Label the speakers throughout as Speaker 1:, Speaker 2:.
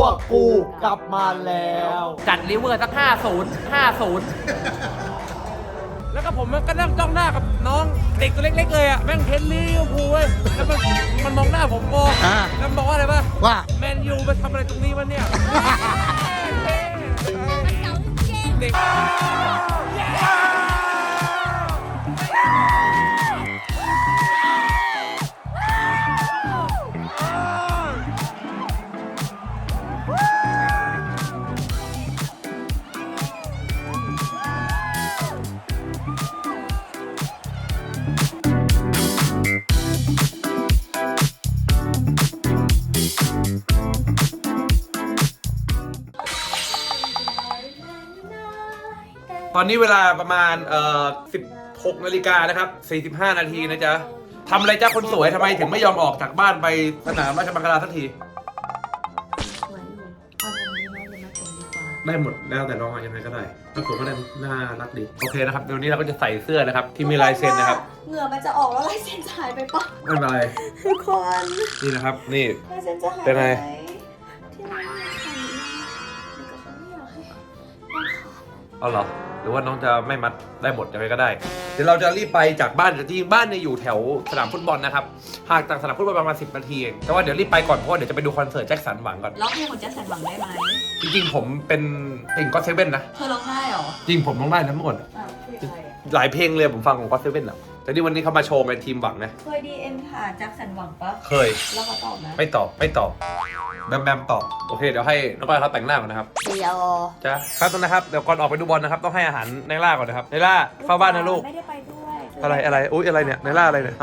Speaker 1: กกูกลับมาแล้ว
Speaker 2: จัดลิเวอร์สัก50 แล้วก็ผมก็นั่งจ้องหน้ากับน้องเด็กตัวเล็กๆเลยอ่ะแม่งเทนลิเวอร์พูลเว้ยแล้วมันมองหน้าผมแล้วบอกว่าอะไรป่ะ
Speaker 1: ว่า
Speaker 2: แมนยูมาทำอะไรตรงนี้วะเนี่ยเด็กตอนนี้เวลาประมาณ16 นาฬิกานะครับ45 นาทีนะจ๊ะทำอะไรจ้าคนสวยทำไมถึงไม่ยอมออกจากบ้านไปสนามราชมังคลาสักทีได้หมดแล้วแต่น้องยังไงก็ได้ถ้าผมก็ได้น่ารักดีโอเคนะครับเดี๋ยวนี้เราก็จะใส่เสื้อนะครับที่มีลายเซ็นนะครับ
Speaker 3: เหงื่อมันจะออกแล้วลายเซ็นจะหายไปปะ
Speaker 2: ไม่เป็นไร
Speaker 3: ทุกคน
Speaker 2: นี่นะครับนี่
Speaker 3: ลายเซ็นจะหาย
Speaker 2: เป็นไง
Speaker 3: ที่ร้านเขาไม่อยากให้
Speaker 2: เอาเหรอหรือว่าน้องจะไม่มัดได้หมดยังไงก็ได้เดี๋ยวเราจะรีบไปจากบ้านจริงบ้านเนี่ยอยู่แถวสนามฟุตบอลนะครับห่างจากสนามฟุตบอลประมาณ10 นาทีเองแต่ว่าเดี๋ยวรีบไปก่อนเพราะเดี๋ยวจะไปดูคอนเสิร์ตแจ็คสันหวังก่อน
Speaker 3: ร้องเพลงของแจ็คสันหวังได้ไหม
Speaker 2: จริงๆผมเป็นติ่งก็อตเซเว่นนะ
Speaker 3: เธอร้องได้เหรอ
Speaker 2: จริงผมร้องได้นะเมื่อก่อนหลายเพลงเลยผมฟังของก็อตเซเว่นอ่ะแต่นี่วันนี้เขามาโชว์เป็นทีมหวังนะ
Speaker 3: เคย DM หาแจ็คสันหวังปะ
Speaker 2: เคย
Speaker 3: แล้วเขาตอบไหม
Speaker 2: ไม่ตอบแบมตอบโอเคเดี๋ยวให้น้องก้อยเขาแต่งหน้าก่อนนะครับ
Speaker 3: เดี๋ยว
Speaker 2: จ้ะครับต้นนะครับเดี๋ยวก่อนออกไปดูบอลนะครับต้องให้อาหารไนล่าก่อนนะครับไนล่าเข้าบ้านนะลูก
Speaker 3: ไม่ได้ไปด้วย
Speaker 2: อะไรอุ๊ยอะไรเนี่ยไนล่าอะไรเนี่ย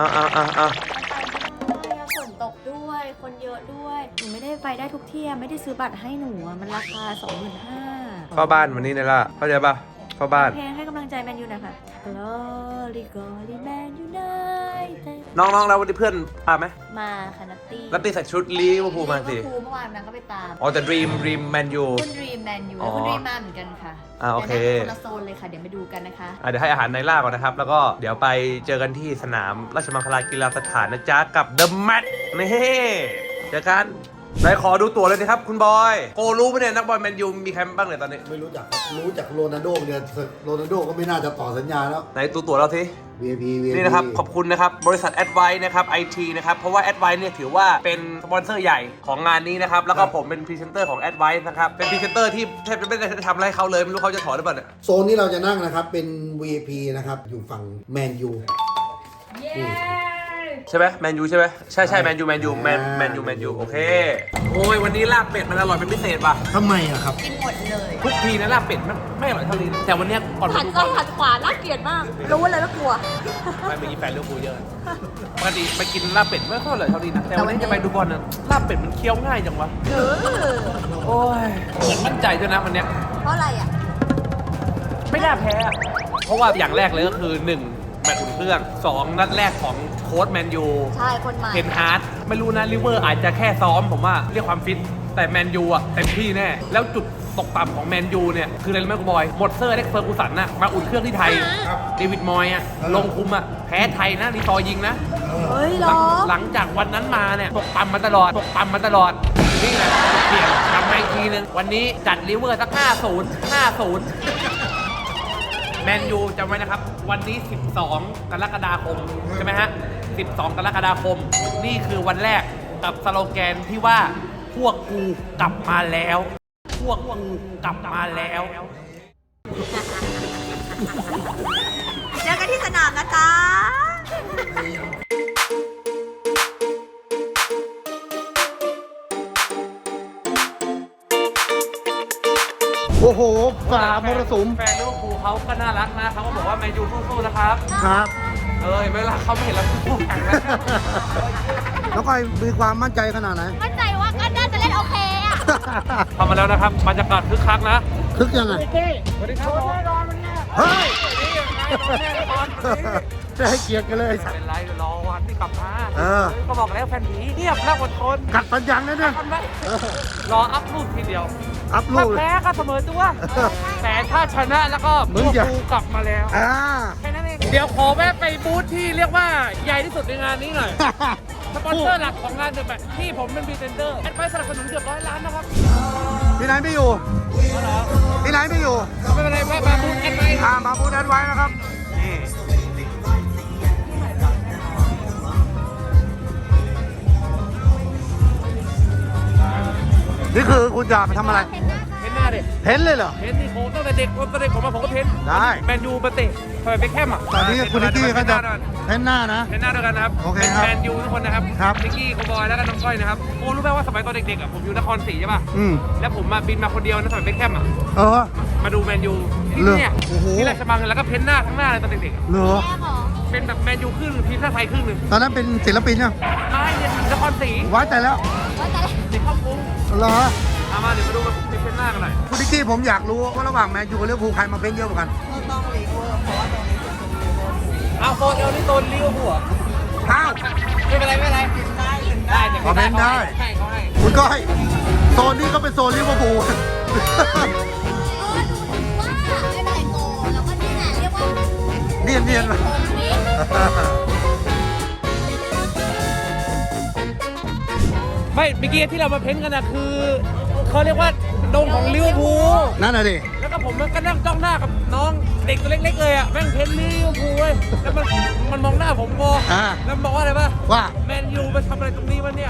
Speaker 3: ฝนตกด้วยคนเยอะด้วยหนูไม่ได้ไปได้ทุกที่ไม่ได้ซื้อบัตรให้หนูมันราคา 25,000
Speaker 2: เข้าบ้านวันนี้ไนล่าเข้าใจป่ะเข้าบ้าน
Speaker 3: เพลงให้กำลังใจแมนยูนะคะ Glory Man United
Speaker 2: น้องแล้ววันนี้เพื่อนมาไหม
Speaker 3: มาค่ะนัต
Speaker 2: ตี้ใส่ชุดลิเวอร์พูลมาสิ
Speaker 3: เมื่อวานนางก็ไปตาม
Speaker 2: แต่ดรีมแมนยู
Speaker 3: คุณดรีมแมนยูคุณดรีมมาเหมือนกันค่ะ
Speaker 2: โอเค
Speaker 3: คนละโซนเลยค่ะเดี๋ยวไปดูกันนะคะ
Speaker 2: เดี๋ยวให้อาหารไนล่าก่อนนะครับแล้วก็เดี๋ยวไปเจอกันที่สนามราชมังคลากีฬาสถานนะจ๊ะกับเดอะแมตช์นี่เจอกันไหนขอดูตั๋วเลยนะครับคุณบอยโกรู้ไหมเนี่ยนักบอลแมนยูมีใครบ้างเนี่ยตอนนี้
Speaker 1: ไม่รู้จักครับรู้จักโรนัลโดเนี่ยโรนัลโดก็ไม่น่าจะต่อสัญญาแล้ว
Speaker 2: ไหนตั๋วเราสิ
Speaker 1: VIP
Speaker 2: นี่นะครับขอบคุณนะครับบริษัท Advice นะครับ IT นะครับเพราะว่า Advice เนี่ยถือว่าเป็นสปอนเซอร์ใหญ่ของงานนี้นะครับแล้วก็ผมเป็นพรีเซนเตอร์ของ Advice นะครับเป็นพรีเซนเตอร์ที่แทบจะไม่ได้ทำอะไรให้เขาเลยไม่รู้เขาจะถอนหรือเปล่าเนี่ย
Speaker 1: โซนที่เราจะนั่งนะครับเป็น VIP นะครับอยู่ฝั่งแมนยู
Speaker 2: ใช่ไหมแมนยูใช่ไหมใช่แมนยูโอเคโอ้ยวันนี้ลาบเป็ดมันอร่อยเป็นพิเศษป่ะ
Speaker 1: ทำไมอะครับ
Speaker 3: กินหมดเลย
Speaker 2: ทุกทีนะลาบเป็ดมันไม่อร่อยเท่านี้แต่วันนี้ก่อน
Speaker 3: หันซ้ายหันขวาน่าเกลียดมากรู้เลยว่ากลัว
Speaker 2: ไม่มีแฟนเลี้ยวปูเยอะปกติไปกินลาบเป็ดไม่ค่อยอร่อยเท่านี้นะแต่วันนี้จะไปดูบอลนะลาบเป็ดมันเคี้ยวง่ายจังวะโอ้ยเหมือนมั่นใจด้วยนะวันนี้
Speaker 3: เพราะอะไรอ่ะ
Speaker 2: ไม่น่าแพ้เพราะว่าอย่างแรกเลยก็คือ1แมตช์อุ่นเครื่อง2นัดแรกของโค้ชแมนยู
Speaker 3: ใช่คนใหม่
Speaker 2: เทนฮาร์ดไม่รู้นะลิเวอร์อาจจะแค่ซ้อมผมว่าเรียกความฟิตแต่แมนยูอ่ะเต็มที่แน่แล้วจุดตกต่ำของแมนยูเนี่ยคืออะไรรู้ไหมคุณบอยหมดเซอร์เล็กเฟอร์กูสันน่ะมาอุ่นเครื่องที่ไทยเดวิดมอยอ่ะลงคุมอ่ะแพ้ไทยนะรีซอยิงนะ
Speaker 3: เฮ้ยหรอ
Speaker 2: หลังจากวันนั้นมาเนี่ยตกต่ำมาตลอดนี่แหละเปลี่ยนทำมาอีกทีนึงวันนี้จัดลิเวอร์สัก50แมนยูจำไว้นะครับวันนี้12 กรกฎาคมใช่ไหมฮะ12 กรกฎาคมนี่คือวันแรกกับสโลแกนที่ว่าพวกกูกลับมาแล้วพวกกูกลับมาแล้ว
Speaker 3: เจอกันที่สนามนะจ๊ะ
Speaker 1: โอ้โหฝ่ามรสุม
Speaker 2: แฟนลิเวอร์พูลเขาก็น่ารักนะเขาก็บอกว่าแมนยูสู้ๆนะครับ
Speaker 1: ครับ
Speaker 2: เวลาเขาไม่เห็นเราสู้แข่งแล้ว
Speaker 1: แล้วก็มีความมั่นใจขนาดไหน
Speaker 3: มั่นใจว่าก็น่าจะเล่นโอเคอะ
Speaker 2: ทำมาแล้วนะครับบรรยากาศคึกคักนะ
Speaker 1: คึกยังไง
Speaker 2: สวัสดีครับแน่นอนวันนี้
Speaker 1: เฮ้ยจะให้เกียรติกันเลย
Speaker 2: เป็นไรรอวันที่กลับมาก็บอกแล้วแฟนผีเงียบแล้วอดทน
Speaker 1: กัดฟันยังนะเนี่ย
Speaker 2: รออัพรูปทีเดียว
Speaker 1: อัพรูป
Speaker 2: ถ้าแพ้ก็เสมอตัวแต่ถ้าชนะแล้วก็พวกกูกลับมาแล้วแค่นั้นเองเดี๋ยวขอแวะไปบูธที่เรียกว่าใหญ่ที่สุดในงานนี้หน่อยสปอนเซอร์หลักของงานเดอะแมตช์ที่ผมเป็นพรีเซนเตอร์แอดไวซ์สนับสนุนเกือบ100 ล้านนะครับ
Speaker 1: พี่ไหนไม่อยู่พี่ไหนไม่อยู่
Speaker 2: ไม่เป็นไรแวะมาบูธแอดไว้
Speaker 1: มาพูดแอดไว้นะครับนี่คือคุณจะไปทำอะไร
Speaker 2: เพ้นหน้าดิ
Speaker 1: เพ้นเลยเหรอ
Speaker 2: เพ้นนี่โค้ตั้งแต่เด็กผมมาผมก็เพ้น
Speaker 1: ได้
Speaker 2: แมนยูมาเตะทำไมไปแคมอ่ะ
Speaker 1: ตอนนี้คุณนิกกี้ก็จะเพ้นหน้านะ
Speaker 2: เพ้นหน้าด้วยกันนะครับ
Speaker 1: โอเคครับ
Speaker 2: แมนยูทุกคนนะครับ
Speaker 1: ครับ
Speaker 2: นิกกี้โคบอยแล้วก็น้องก้อยนะครับโอ้รู้ไหมว่าสมัยตอนเด็กๆอ่ะผมอยู่นครศรีใช่ป่ะ
Speaker 1: อืม
Speaker 2: แล้วผมมาบินมาคนเดียวนะสมัยไปแคมอ่ะ
Speaker 1: เออ
Speaker 2: มาดูแมนยูที่
Speaker 1: เหรอ
Speaker 2: เนี่ย
Speaker 1: โอ้โห
Speaker 2: ที่ราชบังแล้วก็เพ้นหน้าทั้งหน้าเลยตอนเด็กๆอะ
Speaker 1: เหรอ
Speaker 3: แม่หรอ
Speaker 2: เป็นแบบแมนยูครึ่งทีมชาติไทยครึ่งหนึ่ง
Speaker 1: ตอนนั้นเป็นศิลปินยัง
Speaker 2: ไม่เนี่ยนครศรี
Speaker 1: ไว้แต่แล้ว
Speaker 3: ว่าแต่
Speaker 2: ติดเข้ากรุง
Speaker 1: เหรอ
Speaker 2: เอามาเดี๋ยวมาดูมาเพ้นหน้ากันหน่อย
Speaker 1: คุณนิกกี้ผมอยากรู้ว่าระหว่างแมนยูกับลิเวอร์พูลใครมาเพ้นเยอะกว่ากัน
Speaker 2: เอาโซนเอลนี่โซนลิเวอร์พูลเหรอ
Speaker 1: อ้าว
Speaker 2: ไม่เป็นไรไม่เป็นไรได้แต่
Speaker 1: ขอเพ้นได้
Speaker 2: ให้เขาให้
Speaker 1: คุณก้อยโซนนี้ก็เป็นโซนลิเวอร์พูล
Speaker 3: ว่าไม่เป็นไรโกแล้วก็นี่แหละเรียกว่า
Speaker 1: เนียนเนียนๆเลย
Speaker 2: ไม่เมื่อกี้ที่เรามาเพ้นกันนะคือเขาเรียกว่าดงของลิเวอร์พูล
Speaker 1: นั่นน่ะดิ
Speaker 2: แล้วก็ผมก็นั่งจ้องหน้ากับน้องเด็กตัวเล็กๆเลยอ่ะแม่งเพ้นลิเวอร์พูลเว้ยแล้วมันมองหน้าผมโบ
Speaker 1: อ่า
Speaker 2: แล้วมันบอกว่าอะไรป่ะ
Speaker 1: ว่า
Speaker 2: แมนยูมาทำอะไรตรงนี้วะเนี่ย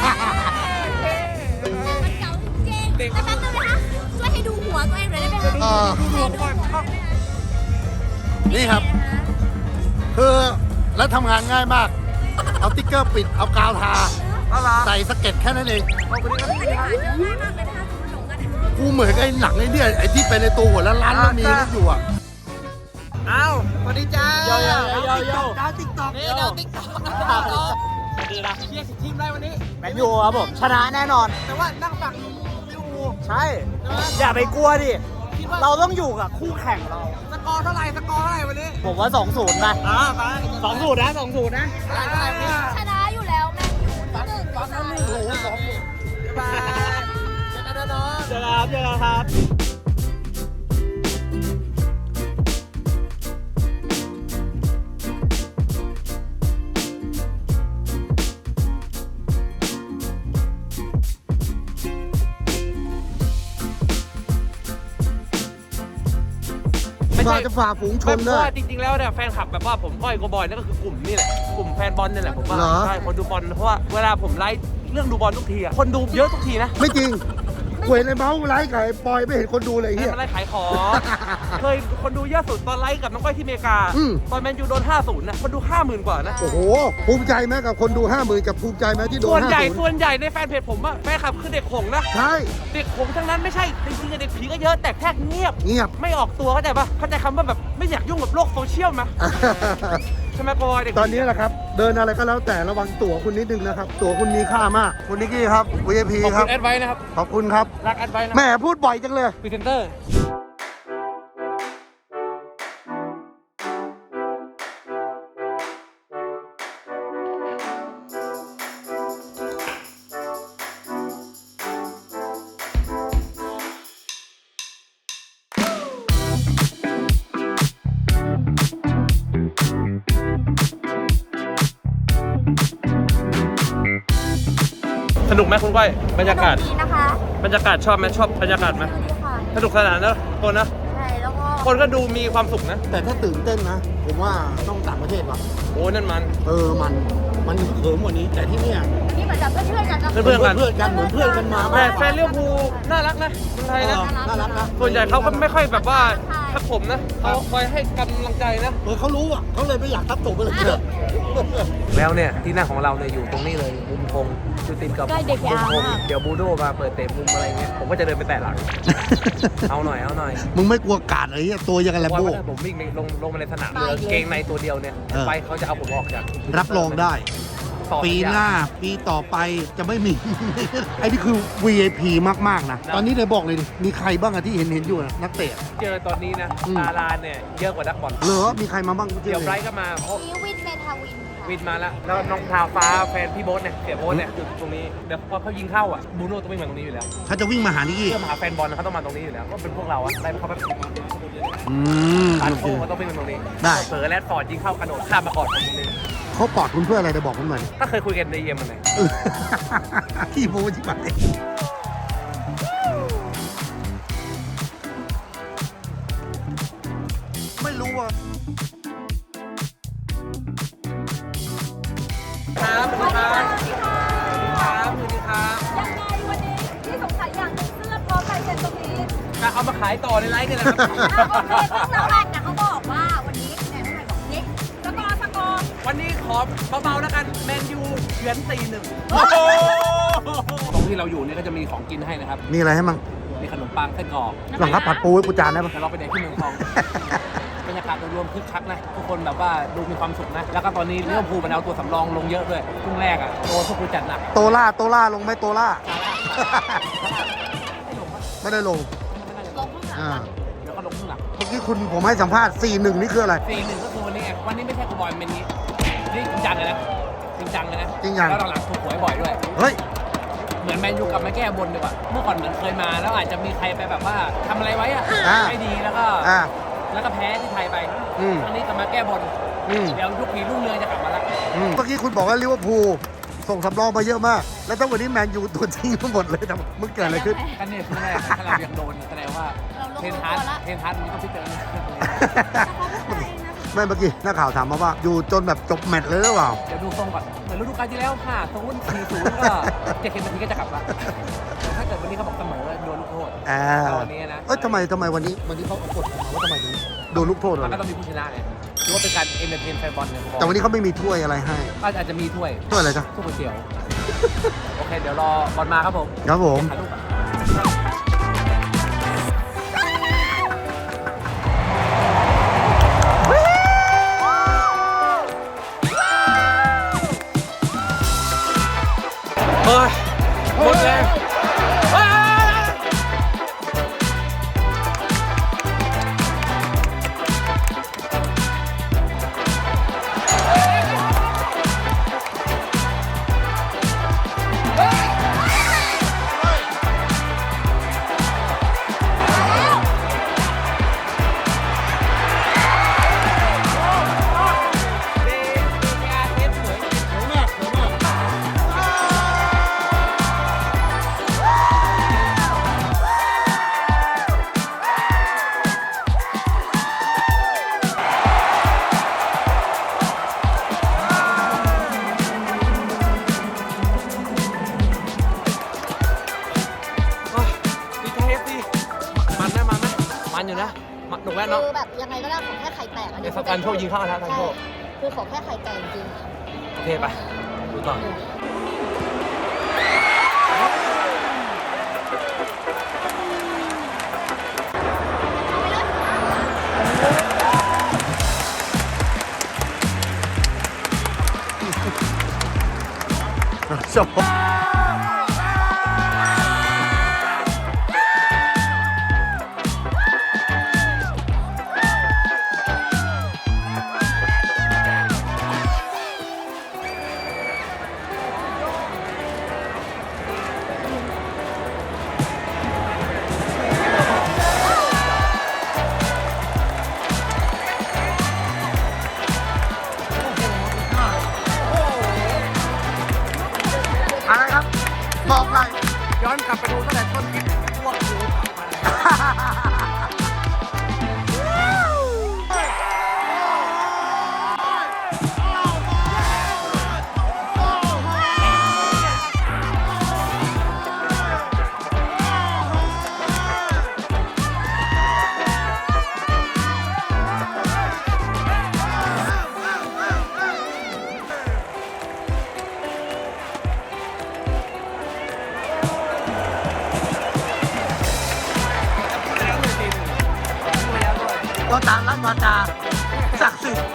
Speaker 3: มันเก่าจริงๆแต่แป๊บนึงนะคะช่วยให้ดูหัวตัวเองหน่อยได้ไหมคะ
Speaker 2: ดูก่อน
Speaker 1: นี่ครับ คือแล้วทำงานง่ายมาก เอาติ๊กเกอร์ปิด เอากาวทา ใส่สเก็ตแค่นั้นเอง
Speaker 3: ง่ายมากเลยนะคะคุณหลงกัน
Speaker 1: กูเหมือนไอ้หนังไอ้เนี่ยไอ้ที่เป็นในตัวหัวแล้วร้านแล้วมีนั่นอยู่อ่ะ
Speaker 2: อ้าวสวัสดีจ้าโยโยโยโย
Speaker 1: ดาวติ๊กต็อก
Speaker 2: นี่เดี๋ยวติ๊กต็อกดีนะเชียร์ทีมได้วันนี้
Speaker 4: แมนยูครับผมชนะแน่นอน
Speaker 2: แต่ว่านั่งฝั่งลิเวอร์พูล
Speaker 4: ใช่ อย่าไปกลัวดิ เราต้องอยู่กับคู่แข่งเรา
Speaker 2: สกอร์เท่าไหร่วันนี้
Speaker 4: ผมว่า 2-0นะ
Speaker 2: ไป
Speaker 4: 2-0 นะ 2-0 นะ
Speaker 3: ชนะอยู่แล้วแมนยูที่หนึ่งก็ได้
Speaker 2: บายเจอกันนะน้อง
Speaker 4: เจอกันครับ
Speaker 1: มาจะฝ่าฝูงชน
Speaker 2: เพ
Speaker 1: เล
Speaker 2: ราะ
Speaker 1: ย
Speaker 2: ว่าจริงๆแล้วเนี่ยแฟนคลับแบบว่าผมก้อยโกบอยนั่นก็คือกลุ่มนี่แหละกลุ่มแฟนบอลนี่แหละผมว่า
Speaker 1: เหรอ
Speaker 2: ใช่คนดูบอลเพราะว่าเวลาผมไลฟ์เรื่องดูบอลทุกทีอะคนดูเยอะทุกทีนะ
Speaker 1: ไม่จริงเว้ยในเมาส์ไลฟ์กับไอ้ปอยไม่เห็นคนดูเลยไอ้
Speaker 2: ให้
Speaker 1: เฮีย
Speaker 2: มาไลฟ์ขายของ เคยคนดูเยอะสุดตอนไลฟ์กับน้องก้อยที่อเมริกา
Speaker 1: อืม
Speaker 2: ตอนแมนยูโดน 50นะคนดู 50,000 กว่านะ
Speaker 1: โอ้โห ภูมิใจไหมกับคนดู 50,000 กับภูมิใจไหมที่โดน
Speaker 2: ส่วนใหญ่
Speaker 1: 50
Speaker 2: ส่วนใหญ่ในแฟนเพจผมอะแฟนคลับคือเด็กหงส์นะ
Speaker 1: ใช่
Speaker 2: เด็กหงส์ทั้งนั้นไม่ใช่จริงๆเด็กผีก็เยอะแต่แค่เงียบ
Speaker 1: เงียบ
Speaker 2: ไม่ออกตัวเข้าใจปะเข้าใจคำว่าแบบไม่อยากยุ่งกับโลกโซเชียลไหมใช่ไหมโกบอยเด็ก
Speaker 1: ตอนนี้แหละครับ เดินอะไรก็แล้วแต่ระวังตั๋วคุณนิดนึงนะครับ ตั๋วคุณมีค่ามาก คุณนิกกี้ครับ VIP
Speaker 2: ขอบ
Speaker 1: ครั
Speaker 2: คุ
Speaker 1: บ
Speaker 2: ณแอดไว้นะครับ
Speaker 1: ขอบคุณครับ
Speaker 2: รักแอดไว้นะ
Speaker 1: แหม่พูดบ่อยจังเลย
Speaker 2: พรีเซนเตอร์ สนุกไหมคุณก้อยบรรยากาศ
Speaker 3: ดีนะคะ
Speaker 2: บรรยากาศชอบไหมชอบบรรยากาศไหม
Speaker 3: ดีค่ะ
Speaker 2: สนุกสนานนะคนนะ
Speaker 3: ใช่แล้วก็
Speaker 2: คนก็ดูมีความสุขนะ
Speaker 1: แต่ถ้าตื่นเต้นนะ ผมว่าต้องต่างประเทศว่ะ
Speaker 2: โอ้นั่นมัน
Speaker 1: มันเขิมกว่านี้ แต่ที่เนี่ย
Speaker 3: นี่เหมือนกับเพื่อนๆกันนะ
Speaker 2: เพื่อนๆกัน
Speaker 1: เพื่อนกันเหมือนเพื่อนกันมา
Speaker 2: แต่แฟนลิเวอร์พูลน่ารักนะคนไทยนะ
Speaker 1: น่ารักนะ
Speaker 2: ส่วนใหญ่เขาก็ไม่ค่อยแบบว่าทักผมนะเขาคอยให้กำลังใจนะ
Speaker 1: เขารู้อ่ะเขาเลยไม่อยากทับตกไปเลย
Speaker 2: แล้วเนี่ยที่นั่งของเราเนี่ยอยู่ตรงนี้เลยมุมพงอยู่ติดกับ
Speaker 3: ใกล้เด็ก
Speaker 2: มุ
Speaker 3: ยาม ว
Speaker 2: พง
Speaker 3: มาก
Speaker 2: เดี๋ยวบูโดมาเปิดเตะมุมอะไรเงี้ยผมก็จะเดินไปแตะหลัง เอาหน่อย
Speaker 1: มึงไม่กลัวกาดเลยเหี้ยตัวยังไงแลม
Speaker 2: ว่า
Speaker 1: โบ้
Speaker 2: ถ้าผมวิ่งลงมาในสนามเหลือเกงในตัวเดียวเนี่ย
Speaker 1: เออ
Speaker 2: ไปเขาจะเอาผมออกจาก
Speaker 1: รับรองได้
Speaker 2: ต่อ
Speaker 1: ปีหน้า ปีต่อไปจะไม่มี ไอ้นี่คือ VIP มาก ๆ นะ ตอนนี้เลยบอกเลยดิมีใครบ้างอะที่เห็นอยู่นะนักเตะ
Speaker 2: เจอตอนนี้นะ
Speaker 1: อืม
Speaker 2: ดาราเนี่ยเยอะกว่านักบอล
Speaker 1: เหรอมีใครมาบ้าง
Speaker 2: เดี๋ยวไบรท์ก็มาเพราะ
Speaker 3: นี่วินเมทาวินค่ะ
Speaker 2: วินมาแล้วแล้วน้องทาวฟ้าแฟนพี่โบ๊ทเนี่ยเสียโบ๊ทเนี่ยอยู่ตรงนี้เดี๋ยวพอเขายิงเข้าอ่ะบูโน่ต้องวิ่งมาตรงนี้อยู่แล้ว
Speaker 1: เขาจะวิ่งมาหานี่กี้
Speaker 2: เพื่อมาหาแฟนบอลนะเขาต้องมาตรงนี้อยู่แล้วก็เป็นพวกเราอะได้เขาแบบ
Speaker 1: อืม
Speaker 2: ตัด
Speaker 1: โอ
Speaker 2: โค้
Speaker 1: เค
Speaker 2: งเขาต้องวิ่งมาตรงนี้
Speaker 1: ได้
Speaker 2: เผลอแรดฟอร์ดยิงเข้ากระโดดข้ามมากอดผมตรงนี้
Speaker 1: เขาปอดคุณเพื่ออะไรเดี๋ยวบอกผมหน่อยดิ
Speaker 2: ถ้าเคยคุยกันในเยี่ยมมันไหน
Speaker 1: ขี้โม้ชิบหาย
Speaker 2: จะเอามาขายต่อในไลฟ์นี่แหละครับ
Speaker 3: โอเคซึ่งเราแรกนะเขาบอกว่าวันนี้แหนมไทยบอกนี่สกอร์
Speaker 2: วันนี้ขอเบาๆแล้วกันแมนยูเฉือน4-1ตรงที่เราอยู่เนี่ยก็จะมีของกินให้นะครับ
Speaker 1: มีอะไรให้มั่ง
Speaker 2: มีขนมปังไส้กรอก
Speaker 1: หลังครับผัดปูให้กูจานได้ปะ
Speaker 2: แต่เราไปเด็กที่เมืองทอง บรรยากาศโดยรวมคึกคักนะทุกคนแบบว่าดูมีความสุขนะ แล้วก็ตอนนี้ลิเวอร์พูลมันเอาตัวสำรองลงเยอะด้วยครึ่งแรกอ่ะโดนพวกกูจัดหนัก
Speaker 1: โตล่าลงไหมโตล่า ไม่ได้ลง
Speaker 3: ลงข้างหลัง
Speaker 1: อ่า
Speaker 2: เดี๋ยวก็ลงข้างหลัง
Speaker 1: เมื่อกี้คุณผมให้สัมภาษณ์ 4-1 นี่คืออะไร
Speaker 2: 4-1ก็คือวันนี้ไงวันนี้ไม่ใช่กูบอยเป็นนี้นี่จริงจังเลยนะจริงจังเลยนะ
Speaker 1: จริงจัง
Speaker 2: แล้วหลังๆถูกหวยบ่อยด้วย
Speaker 1: เฮ้ย
Speaker 2: เหมือนแมนยูกลับมาแก้บนดีกว่าเมื่อก่อนเหมือนเคยมาแล้วอาจจะมีใครไปแบบว่าทำอะไรไว้อะ
Speaker 1: อ่า
Speaker 2: ไม่ดีแล้วก็
Speaker 1: อ่า
Speaker 2: แพ้ที่ไทยไป
Speaker 1: อืม
Speaker 2: ครั้งนี้กลับมาแก้บน
Speaker 1: อืม
Speaker 2: เดี๋ยวยุคนี้รุ่งเรืองจะกลับมาแล้ว
Speaker 1: เมื่อกี้คุณบอกว่าลิเวอร์พูลส่งสำรองมาเยอะมาก แล้วตั้งวันนี้แมนยูตัวจริงทั้งหมดเลยแต่มึงเกิดอะไรขึ้น
Speaker 2: กันเนี่ยคือแรกถ้าเรายังโดนแสดงว่าเทนฮาร์ดมันก็พิจารณา
Speaker 1: ไม่เมื่อกี้นักข่าวถามมาว่า อยู่จนแบบจบแมตช์เลยหรือเปล่า
Speaker 2: เดี๋ยวดูทรงก่อนเหมือนฤดูกาลที่แล้ว5-0 4-0ก็70 นาทีก็จะกลับละถ้าเกิดวันนี้เขาบอกเสมอโดนลูกโทษ
Speaker 1: อ่า
Speaker 2: เอาวันนี้นะ
Speaker 1: เอ้ยทำไมวันนี้เขาเอากฎออกมาว่าทำไมถึงโดนลูกโทษ
Speaker 2: มัน
Speaker 1: เล
Speaker 2: ก็
Speaker 1: ย
Speaker 2: ต้องมีผู้ชนะไงถือว่าเป็นการเอนเตอร์เทนแฟนบอลเนี่ย
Speaker 1: แต่วันนี้เขาไม่มีถ้วยอะไรให้
Speaker 2: ก็อาจจะมีถ้วย
Speaker 1: ถ้วยอะไรจ๊ะ
Speaker 2: ถ้วยก๋วยเตี๋ยว โอเค เดี๋ยวรอบอลมาครับผม
Speaker 1: ครับผม
Speaker 2: ถ่ายรูปก่อนเฮ้ยหมดแรงเฮ้ยดีใจเอฟดีมันไหมมันอยู่นะหนุกแน่เนาะ
Speaker 3: คือแบบยังไงก็ได้ขอแค่ไข่แตกอัน
Speaker 2: เดี๋
Speaker 3: นี้
Speaker 2: ยวสักการโชคยิงเข้านะทันโชค
Speaker 3: คือขอแค่ไข่แตกจริง
Speaker 2: โอเคไปดูต่อ
Speaker 1: จบอะไรครับ บอกหน่อย
Speaker 2: ย้อนกลับไปดูตั้งแต่ต้นคลิปพวกดูกลับมาเลย
Speaker 1: ก็ตามรัฐวาจาศักดิ์สิทธิ์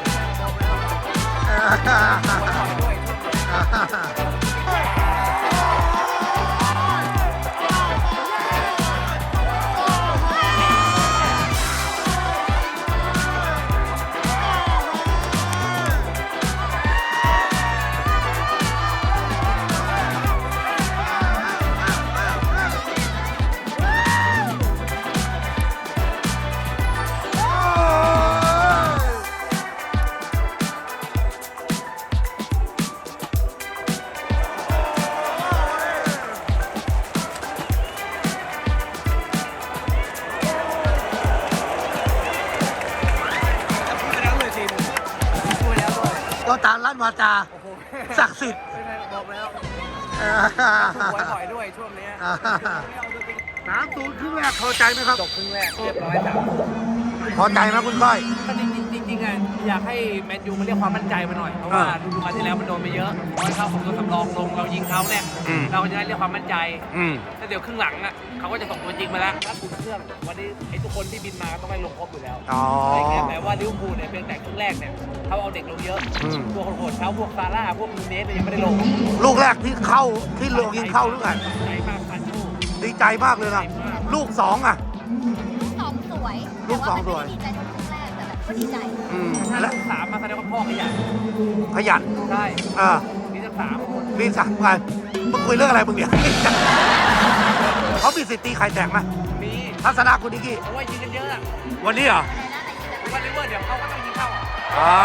Speaker 1: ก็ตามรัฐวาจาศักดิ์สิทธิ์
Speaker 2: บอกแล้ว
Speaker 1: เออ
Speaker 2: ถูกหวยบ่อยด้วยช่วงนี้
Speaker 1: ไป 3-0ครึ่งแรกพอใจไหมครับ
Speaker 2: จบครึ่งแรกเรียบร้อย3
Speaker 1: พอใจไหมคุณก้อย
Speaker 2: ก็จริงๆอ่ะอยากให้แมนยูมาเรียกความมั่นใจมาหน่อยเพราะว่าฤดูกาลที่แล้วมันโดนไปเยอะพอให้เข้าของตัวสำรองลงเรายิงเขาเนี่ย
Speaker 1: อืม
Speaker 2: เราก็จะได้เรียกความมั่นใจ
Speaker 1: อืม
Speaker 2: แล้วเดี๋ยวครึ่งหลังอ่ะเขาก็จะส่งตัวจริงมาแล้วถ้าอุ่นเครื่องวันนี้ไอ้ทุกคนที่บินมาต้องไปลงครบอยู่แล้ว
Speaker 1: อ๋อ
Speaker 2: อะไรเงี้ยแต่ว่าลิเวอร์พูลเนี่ยเพียงแต่ครึ่งแรกเนี่ยเขาเอาเด็กลงเยอะ
Speaker 1: อืม
Speaker 2: พวกโหดๆเขาพวกซาร่าพวกนูเนสเนี่ยยังไม่ได้ลง
Speaker 1: ลูกแรกที่เข้าที่ลงยิงเข้าหรือไง
Speaker 2: ใจมากพันโชค
Speaker 1: ดีใจมากเลยนะลูกสองอ่ะ
Speaker 3: ลูกสองสวย
Speaker 1: ลูกสองสวย
Speaker 3: แต่ว่ามันไม่ได้ดีใจเท่าลูกแรกแต่แบบก็ดีใจ
Speaker 1: อืม
Speaker 2: ถ้า
Speaker 1: และ
Speaker 2: ลูก3มาแสดงว่าพ่อขยัน
Speaker 1: ขยัน
Speaker 2: ใช่
Speaker 1: เ
Speaker 2: มีสัก3 คน
Speaker 1: มีสั่งไงมึงคุยเรื่องอะไรมึงเนี่ย เขามีสิทธิ์ตีไข่แตกไหม
Speaker 2: มี
Speaker 1: ทัศนะคุณนิกกี้
Speaker 2: เพราะว่ายิงกันเยอะอะ
Speaker 1: วันนี้เหรอ
Speaker 2: เพราะว่าลิเวอร์เดี๋ยวเขาก็ต้องยิงเข้าอะ
Speaker 1: อ่า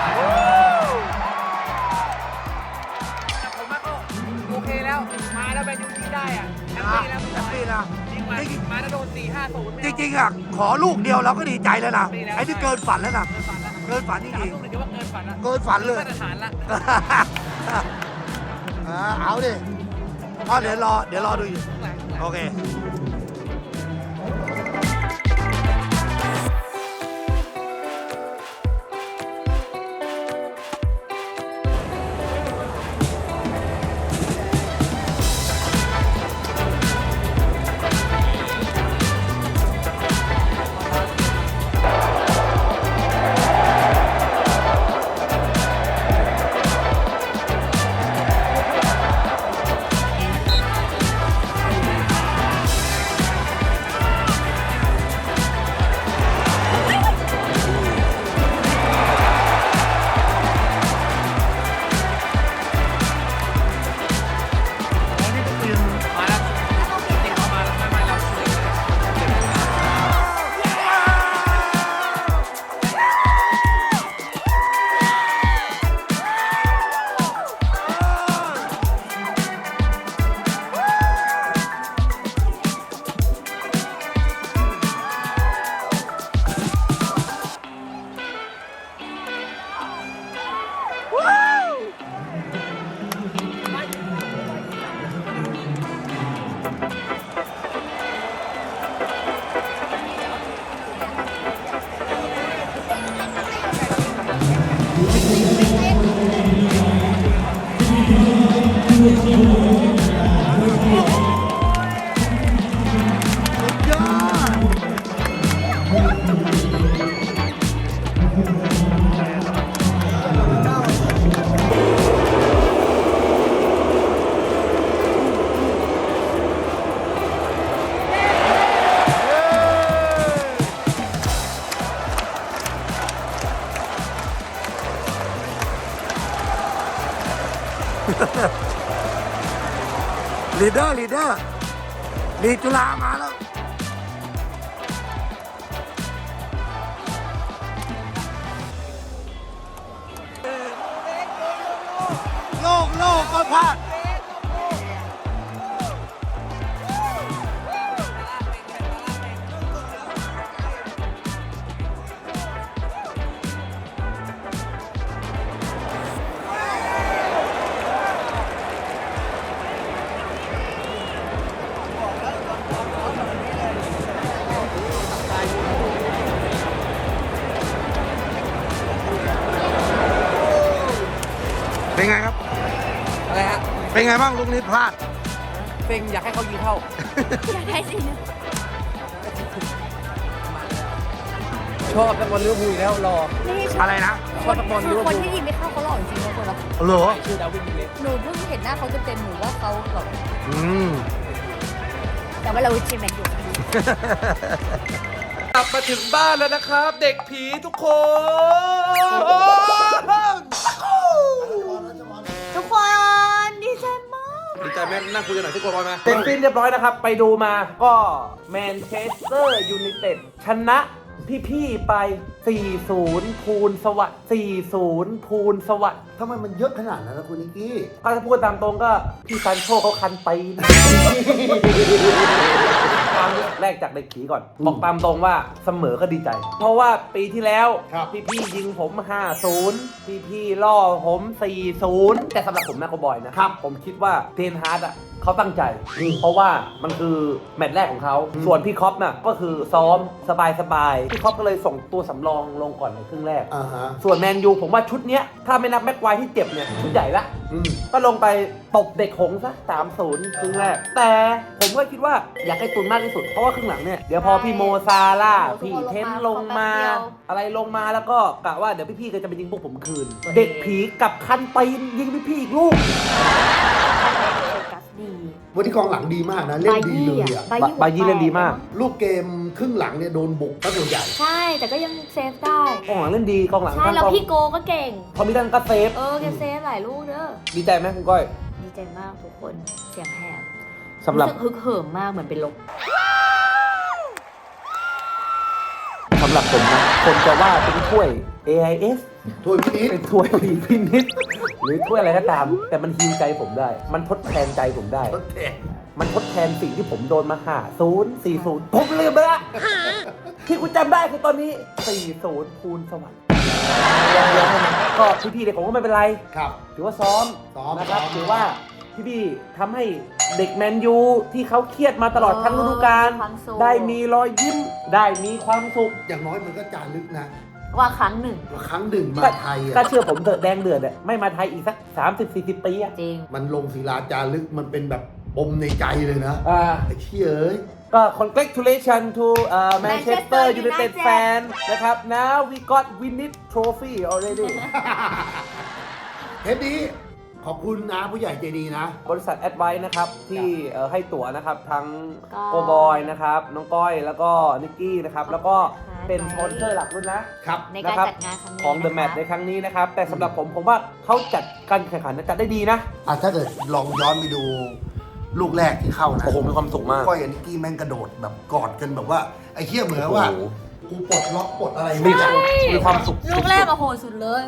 Speaker 2: แต่ผมว่าก็โอเคแล้ว มาแล้วแมนยูยิงได้อ่ะแฮปปี้แล้ว
Speaker 1: แฮปปี้นะ
Speaker 2: ยิงมาแล้วโดน4-5-0
Speaker 1: จริงๆอ่ะขอลูกเดียวเราก็ดีใจแล้วนะ
Speaker 2: ดีแล้ว
Speaker 1: ไอ้ที่เกินฝันแล้วนะ
Speaker 2: เกินฝันแล้ว
Speaker 1: เกินฝันจ
Speaker 2: 3
Speaker 1: ริง
Speaker 2: ลูกเลยถือว่าเกินฝันละ
Speaker 1: ๆเกินฝันเลย
Speaker 2: มาตรฐานละ
Speaker 1: เอาดิเดี๋ยวรอดูอยู่ โอเค
Speaker 2: มาแล้วจริงๆเขามาแล้วไม่เราช่วยเลย
Speaker 1: ยอด ลีดเดอร์ลีดจุฬามาแล้ว โลกก็พลาด เป็นไงครับ
Speaker 2: อะไรฮะ
Speaker 1: เป็นไงบ้างลูกนี้พลาด
Speaker 2: เซ็งอยากให้เขายิงเข้า
Speaker 3: อยากได้สินะ
Speaker 2: ชอบนักบอลลิเวอร์พูลอยู่แล้วรอ
Speaker 3: นี่
Speaker 1: อะไรนะ
Speaker 2: ชอบนักบอลลิเวอร์
Speaker 3: คน
Speaker 2: พูล
Speaker 3: ที่ยิงไม่เข้าเขาหล่อจริงๆนะคนละ
Speaker 1: เหรอ
Speaker 2: ชื่อดาวินนูเนส
Speaker 3: หนูเพิ่งเห็นหน้าเขาเต็มๆหนูว่าเขาแบบ
Speaker 1: อืม
Speaker 3: แต่ว่าเราเชียร์แมนยู
Speaker 2: กลับมาถึงบ้านแล้วนะครับ เด็กผีทุกคน
Speaker 3: ทุกคนดีใจมาก
Speaker 2: ดีใจแม่นั่งคุยกันหน่อยที่โกลบอลมาเป็นฟินเรียบร้อยนะครับ ไปดูมาก็แมนเชสเตอร์ยูไนเต็ดชนะพี่ๆไป 4-0 ภูลสวัสดิ์ 4-0 ภูลสวัสดิ์
Speaker 1: ทำไมมันเยอะขนาดนั้นนะคุณนิกกี้
Speaker 2: ก็ถ้าพูดตามตรงก็พี่ซันโชเขาคันไปนะ ความรู้สึกแรกจากเด็กผีก่อน บอกตามตรงว่าเสมอก็ดีใจ เพราะว่าปีที่แล้ว
Speaker 1: ครับ
Speaker 2: พี่ๆยิงผม 5-0 พี่ๆล่อผม 4-0 แต่สำหรับผมนะโกบอยนะครับ ผมคิดว่าเทนฮาร์ดอะเขาตั้งใจ เพราะว่ามันคือแมตช์แรกของเขา ส่วนพี่คอปน่ะก็คือซ้อมสบายๆพี่คอปก็เลยส่งตัวสำรองลงก่อนในครึ่งแรก
Speaker 1: อ่าฮะ
Speaker 2: ส่วนแมนยูผมว่าชุดเนี้ยถ้าไม่นับแม็กไวที่เจ็บเนี่ยชุดใหญ่ละ ก็ลงไปตบเด็กหงส์ซะ 3-0 ครึ่งแรก แต่ผมก็คิดว่าอยากให้ตุนมากที่สุด เพราะว่าครึ่งหลังเนี่ย เดี๋ยวพอพี่โมซาร่าห์พี่เทนลงมา อะไรลงมาแล้วก็กะว่าเดี๋ยวพี่ๆก็จะไปยิงพวกผมคืน เด็กผีกับคันตีนยิงพี่ๆอีกลูก
Speaker 3: กัสดี
Speaker 1: วันนี้กองหลังดีมากนะ เล่นดีเลยอ่ะ
Speaker 2: บายี่เล่นดีมาก
Speaker 1: ลูกเกมครึ่งหลังเนี่ยโดนบุกก็ส่วนใหญ่
Speaker 3: ใช่แต่ก็ยังเซฟได้
Speaker 2: กองหลังเล่นดีกองหลัง
Speaker 3: ใช่แล้วพี่โกก็เก่ง
Speaker 2: พอมีดันก็เซฟ
Speaker 3: แกเซฟหลายลูกเด้อ
Speaker 2: ดีใจไหมคุณก้อย
Speaker 3: ดีใจมากทุกคนเสียงแหบ
Speaker 2: สำหรับ
Speaker 3: สึกฮึกเหิมมากเหมือนเป็นลม
Speaker 2: สำหรับผมนะคนจะว่าเป็นถ้วย AIS
Speaker 1: ถ้วยพินิจ
Speaker 2: เป็นถ้วยผีพินิจหรือถ้วยอะไรก็ตาม แต่มันฮีลใจผมได้ มันทดแทนใจผมได้
Speaker 1: ทดแทน
Speaker 2: มันทดแทนสิ่งที่ผมโดนมา50-40 ผมลืมไปละที่คุณจำได้คือตอนนี้ 40 ภูลสวัสดิ์อย่างเดียวเท่านั้นก็พี่ๆเด็กผมก็ไม่เป็นไร
Speaker 1: ครับ
Speaker 2: ถือว่าซ้อม
Speaker 1: ซ้อม
Speaker 2: นะครับ
Speaker 1: ซ้อม
Speaker 2: ถือว่าพี่ๆทำให้เด็กแมนยูที่เขาเครียดมาตลอดทั้งฤดูกาลได้มีรอยยิ้มได้มีความสุข
Speaker 1: อย่างน้อยมันก็จารึกนะ
Speaker 3: ว่าครั้งหนึ่ง
Speaker 1: ว่าครั้งหนึ่งมาไทย
Speaker 2: ก็
Speaker 1: อ่ะ
Speaker 2: เชื่อผมเถอะแดงเดือดอะไม่มาไทยอีกสัก 30-40 ปีอะ
Speaker 3: จริง
Speaker 1: มันลงศิลาจารึกมันเป็นแบบปมในใจเลยนะ
Speaker 2: อ่า
Speaker 1: ไอ้เชี่ยเอ้ย
Speaker 2: ก็ congratulation to Manchester
Speaker 3: Manchester
Speaker 2: United
Speaker 3: United
Speaker 2: fan นะครับ now we got win it trophy already
Speaker 1: เทปนี้ขอบคุณนะผู้ใหญ่ใจดีนะ
Speaker 2: บริษัท Advice นะครับ ที่ให้ตั๋วนะครับ ทั้ง
Speaker 3: ก็
Speaker 2: โกบอยนะครับ น้องก้อยแล้วก็นิกกี้นะครับ แล้วก็เป็นสปอนเซอร์หลักด้วยนะครับ
Speaker 3: ในการ
Speaker 2: ะคบ
Speaker 3: จัดงานครั้งนี้
Speaker 2: ของ The
Speaker 3: นะคะ
Speaker 2: Match ในครั้งนี้นะครับ แต่สำหรับผมว่าเขาจัดการแข่งขันจัดได้ดีนะ
Speaker 1: อ่ะถ้าเกิดลองย้อนไปดูลูกแรกที่เข้านะ
Speaker 2: โอ้โหมีความสุขมาก
Speaker 1: ก้อยกับนิกกี้แม่งกระโดดแบบกอดกันแบบว่าไอ้เชี่ยเหมือนว่า
Speaker 2: โอ้โห
Speaker 1: กูปลดล็อกปลดอะไร
Speaker 2: มี
Speaker 1: ไม่ได้
Speaker 2: มีความสุข
Speaker 3: ลูกแรกอะโหดสุดเลย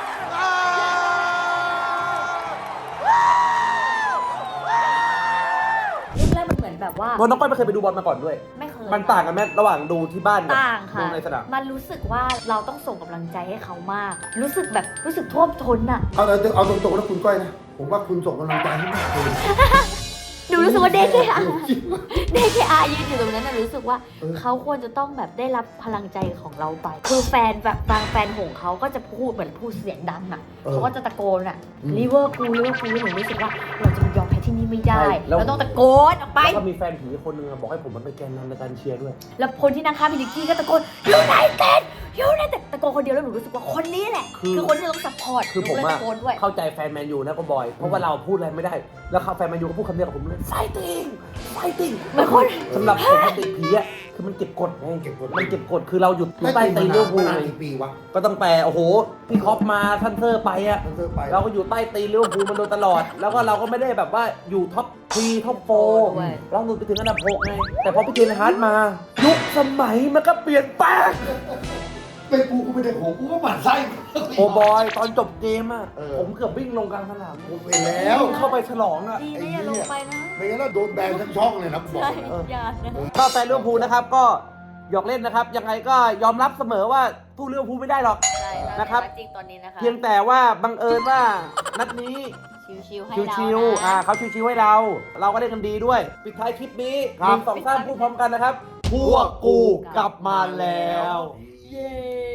Speaker 3: ลูกแรกมันเหมือนแบบว่า
Speaker 2: เพราะน้องก้อยไม่เคยไปดูบอลมาก่อนด้วย
Speaker 3: ไม่เคย
Speaker 2: มันต่างกันไหมระหว่างดูที่บ้านกับ
Speaker 3: ต่างค่ะ
Speaker 2: ดูในสนาม
Speaker 3: มันรู้สึกว่าเราต้องส่งกำลังใจให้เขามาก รู้สึกแบบรู้สึกท่วมท้นอะ
Speaker 1: เอาตรงๆนะคุณก้อยนะ ผมว่าคุณส่งกำลังใจให้มากเลย
Speaker 3: หนูรู้สึกว่าเด็กเลยอะเด็กอายืนอยู่ตรงนั้นน่ะรู้สึกว่าเขาควรจะต้องแบบได้รับพลังใจของเราไป คือแฟนแบบบางแฟนหงเขาก็จะพูดเหมือนพูดเสียงดังอะเขาก็จะตะโกนอะลิเวอร์พูลลิเวอร์พูลหนูรู้สึกว่าเราจะยอมแพ้ที่นี่ไม่ได้ เราต้องตะโกนออกไป
Speaker 2: แล้วก็มีแฟนผีคนหนึงอะบอกให้ผมมันเป็นแกนนำในการเชียร์ด้วย
Speaker 3: แล้วคนที่นั่งข้างพี่นิกกี้ก็ตะโกนยูไนเต็ดยูไนเต็ดตะโกนคนเดียวแล้วหนูรู้สึกว่าคนนี้แหละ คือคนที่เราต้องซัพพอร์ต
Speaker 2: คือผม
Speaker 3: หนูเลย
Speaker 2: อะ
Speaker 3: ตะโกนด้วย
Speaker 2: เข้าใจแฟนแมนยูนะก็บอย เพราะว่าเราพูดอะไรไม่ได้ แล้วเขาแฟนแมนยูก็พูดคำเดียวกับผมเลยไฟติ้งไฟติ้ง
Speaker 3: เหมือนคน
Speaker 2: สำหรับผมมันติดผีอะคือมันเก็บกดไง
Speaker 1: เก็บกด
Speaker 2: มันเก็บกดคือเราหยุด
Speaker 1: ไม่
Speaker 2: ใต้
Speaker 1: ตี
Speaker 2: ตีน
Speaker 1: น
Speaker 2: ลิเวอร์พูล
Speaker 1: มานานกี่ปีวะ
Speaker 2: ก็ตั้งแต่โอ้โหพี่คอปมาท่านเซอร์ไปอะ
Speaker 1: ตั้งแต่ไป
Speaker 2: เราก็อยู่ใต้ตีนลิเวอร์พูลมันโดยตลอด แล้วก็เราก็ไม่ได้แบบว่าอยู่ท็อป3ท็อป
Speaker 3: ด้วย
Speaker 2: 4เราหลุดไปถึงอันดับ6ไงแต่พอพี่เจนฮาร์ดมายุคสมัยมันก็เปลี่ยนแปลง
Speaker 1: เป็นกูไม่ได้ของกูก็หมั่นไส้
Speaker 2: โอ้บอยตอนจบเกมอะ
Speaker 1: เออ
Speaker 2: ผมเกือบวิ่งลงกลางสนาม
Speaker 1: กูไปแล้ว
Speaker 2: วิ่งเข้าไปฉลองอะ
Speaker 3: ดีนะอย่าลงไปนะ
Speaker 1: ไม่งั้นเราโดนแบนทั้งช่องเลยนะบอก
Speaker 3: ใช่
Speaker 1: เลย
Speaker 3: อย่านะ
Speaker 2: ก็แฟนลิเวอร์พูลนะครับก็หยอกเล่นนะครับยังไงก็ยอมรับเสมอว่าสู้ลิเวอร์พูลไม่ได้หรอก
Speaker 3: ใช่
Speaker 2: นะครับ
Speaker 3: จริงตอนนี้นะคะ
Speaker 2: เพียงแต่ว่าบังเอิญว่านัดนี้
Speaker 3: ชิวๆให้เรา
Speaker 2: ชิวๆ
Speaker 3: นะ
Speaker 2: เขาชิวๆให้เรา เราก็ได้กันดีด้วย ปิดท้ายคลิปนี้
Speaker 1: ครับ
Speaker 2: 1 2 3พูดพร้อมกันนะครับ พวกกูกลับมาแล้ว
Speaker 3: เย้